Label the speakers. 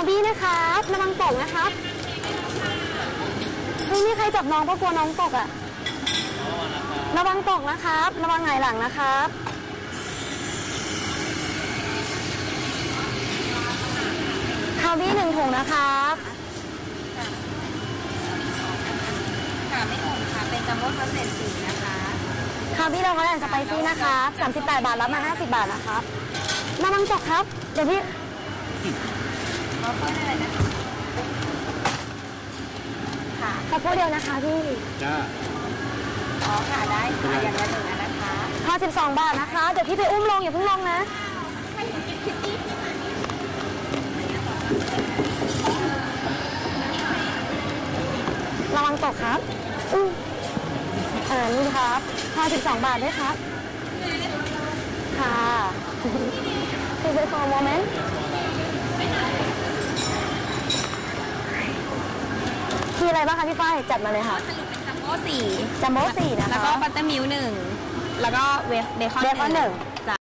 Speaker 1: บี้นะครับระวังตกนะครับเฮ้ยนี่ใครจับน้องเพราะกลัวน้องตกอ่ะระวังตกนะครับระวังหงายหลังนะครับคาบี้1 ถุงนะครับ
Speaker 2: ค่ะไม่ถุงค่ะเป็นจัมโบ้ซัสเซจสีนะคะ
Speaker 1: คาบี้เราก็แอนสไปซี่นะครับ38 บาทรับมา50 บาทนะครับระวังตกครับเดี๋ยวพี่
Speaker 2: ขอเพิ่มอะไรนะคะค่ะ
Speaker 1: ขอพูดเดียวนะคะพี่
Speaker 3: จ้า
Speaker 2: อ๋อค่ะได้ค่ะอย่างละ1นะคะ
Speaker 1: 52 บาทนะคะเดี๋ยวพี่ไปอุ้มลงอย่าเพิ่งลงนะระวังตกครับนี่ครับ52 บาทด้วยครับค่ะคือไปฟอร์มโมเมนต์คืออะไรบ้างคะพี่ฝ้ายจัดมาเลยค่ะ
Speaker 2: สรุปเป็นจัมโบ้4
Speaker 1: นะคะ
Speaker 2: แล้วก็บัตเตอร์มิลค์1แล้วก็เบคอน
Speaker 1: 1